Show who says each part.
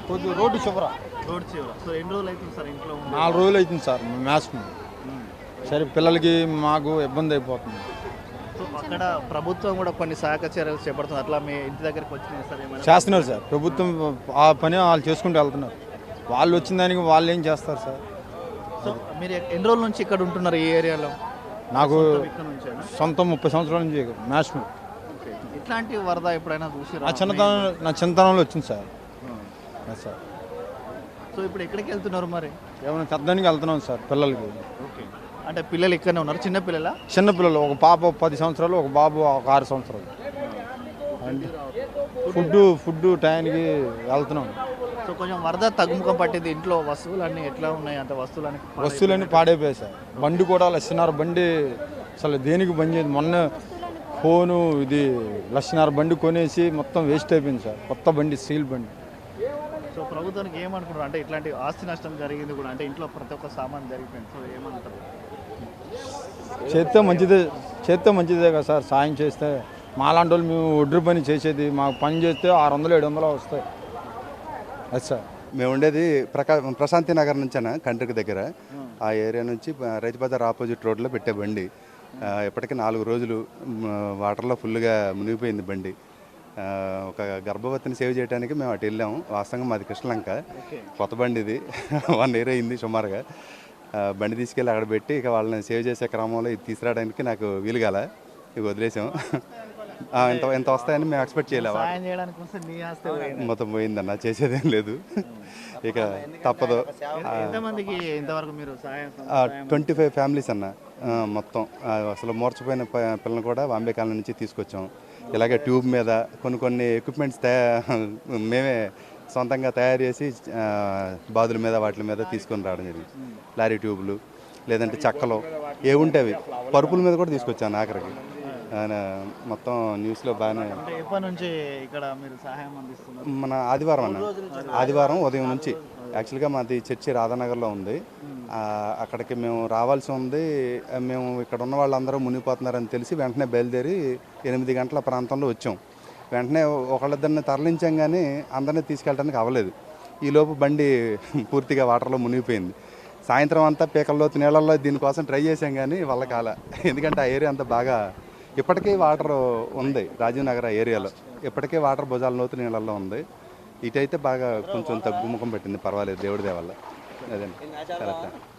Speaker 1: కొద్ది రోడ్డు చివర.
Speaker 2: రోడ్ చివర. సో ఎన్ని రోజులు అవుతుంది సార్ ఇంట్లో ఉండి?
Speaker 1: 4 రోజులు అవుతుంది సార్ మ్యాథ్స్. సరే పిల్లలకి మాకు ఇబ్బంది అయిపోతుంది.
Speaker 2: సో అక్కడ ప్రభుత్వం కూడా కొన్ని సహాయక చర్యలు చేపడుతుంది. అట్లా మీ ఇంటి దగ్గరికి వచ్చినాయి సార్ ఏమైనా?
Speaker 1: చేస్తున్నారు సార్. ప్రభుత్వం ఆ పని వాళ్ళు చేసుకుంటూ వెళ్తున్నారు. వాళ్ళు వచ్చిన దానికి వాళ్ళు ఏం చేస్తారు సార్?
Speaker 2: సో మీరు ఎన్ని రోజుల నుంచి ఇక్కడ ఉంటున్నారు ఈ ఏరియాలో?
Speaker 1: నాకు
Speaker 2: ఇక్కడ నుంచేనా?
Speaker 1: సొంతం 30 సంవత్సరాల నుంచి మ్యాథ్స్.
Speaker 2: ఓకే. ఇట్లాంటి వరద ఎప్పుడైనా చూసి
Speaker 1: నా చిన్నతనంలో వచ్చింది సార్. సార్
Speaker 2: సో ఇప్పుడు ఎక్కడికి వెళ్తున్నారు మరి?
Speaker 1: ఏమైనా పెద్దానికి వెళ్తున్నాం సార్ పిల్లలకి.
Speaker 2: ఓకే. అంటే పిల్లలు ఇక్కడనే ఉన్నారు, చిన్న పిల్లలా?
Speaker 1: చిన్నపిల్లలు, ఒక పాప 10 సంవత్సరాలు, ఒక బాబు ఒక 6 సంవత్సరాలు. ఫుడ్ టైంకి వెళ్తున్నాం.
Speaker 2: సో కొంచెం వరద తగ్గుముఖం పట్టింది. ఇంట్లో వస్తువులన్నీ ఎట్లా ఉన్నాయి? అంటే
Speaker 1: వస్తువులన్నీ పాడైపోయాయి సార్. బండి కూడా లక్షన్నర బండి అసలు దేనికి బంద్ చేయదు. మొన్న ఫోను ఇది లక్షన్నర బండి కొనేసి మొత్తం వేస్ట్ అయిపోయింది సార్. కొత్త బండి, స్టీల్ బండి.
Speaker 2: సో ప్రభుత్వానికి ఏమనుకుంటారు? అంటే ఇట్లాంటి ఆస్తి నష్టం జరిగింది కూడా, అంటే ఇంట్లో ప్రతి ఒక్క సామాన్ జరిగిపోయింది. సో ఏమంటారు?
Speaker 1: చేస్తే మంచిదే కదా సార్. సాయం చేస్తే మాలాంటి వాళ్ళు మేము ఒడ్డు పని చేసేది, మాకు పని చేస్తే 600-700 వస్తాయి. అది సార్.
Speaker 3: మేము ఉండేది ప్రశాంతి నగర్ నుంచేనా, కంట్రికి దగ్గర. ఆ ఏరియా నుంచి రైతు బజార్ ఆపోజిట్ రోడ్లో పెట్టే బండి ఇప్పటికీ 4 రోజులు వాటర్లో ఫుల్గా మునిగిపోయింది బండి. ఒక గర్భవతిని సేవ్ చేయడానికి మేము అటు వెళ్ళాము. వాస్తవంగా మాది కృష్ణలంక. కొత్త బండి ఇది. 1 ఇయర్ అయింది సుమారుగా. బండి తీసుకెళ్ళి అక్కడ పెట్టి ఇక వాళ్ళని సేవ్ చేసే క్రమంలో ఇది తీసుకురావడానికి నాకు వీలుగాల, ఇక వదిలేసాం. ఎంత వస్తాయని మేము ఎక్స్పెక్ట్ చేయలేము. మొత్తం పోయిందన్న, చేసేదేం లేదు. ఇక తప్పదు. 25 ఫ్యామిలీస్ అన్న మొత్తం. అసలు మోర్చిపోయిన పిల్లలు కూడా బాంబే కాలనీ నుంచి తీసుకొచ్చాం. ఇలాగే ట్యూబ్ మీద కొన్ని ఎక్విప్మెంట్స్ మేమే సొంతంగా తయారు చేసి బాదుల మీద వాటి మీద తీసుకొని రావడం జరిగింది. లారీ ట్యూబ్లు, లేదంటే చెక్కలు ఏముంటే అవి, పరుపుల మీద కూడా తీసుకొచ్చాను ఆఖరికి. మొత్తం న్యూస్లో బాగానే. మన ఆదివారం ఉదయం నుంచి. యాక్చువల్గా మాది చర్చి రాధానగర్లో ఉంది. అక్కడికి మేము రావాల్సి ఉంది. మేము ఇక్కడ ఉన్న వాళ్ళందరూ మునిగిపోతున్నారని తెలిసి వెంటనే బయలుదేరి 8 గంటల ప్రాంతంలో వచ్చాం. వెంటనే ఒకళ్ళిద్దరిని తరలించాం, కానీ అందరినీ తీసుకెళ్ళడానికి అవ్వలేదు. ఈలోపు బండి పూర్తిగా వాటర్లో మునిగిపోయింది. సాయంత్రం అంతా పీకల్లోతు నీళ్ళల్లో దీనికోసం ట్రై చేసాం, కానీ వాళ్ళ కాల. ఎందుకంటే ఆ ఏరియా అంతా బాగా ఇప్పటికీ వాటర్ ఉంది. రాజీవ్ నగర్ ఏరియాలో ఇప్పటికే వాటర్ భుజాల లోతు నీళ్ళల్లో ఉంది. ఇటైతే బాగా కొంచెం తగ్గుముఖం పెట్టింది, పర్వాలేదు దేవుడి దయ వల్ల. అదే.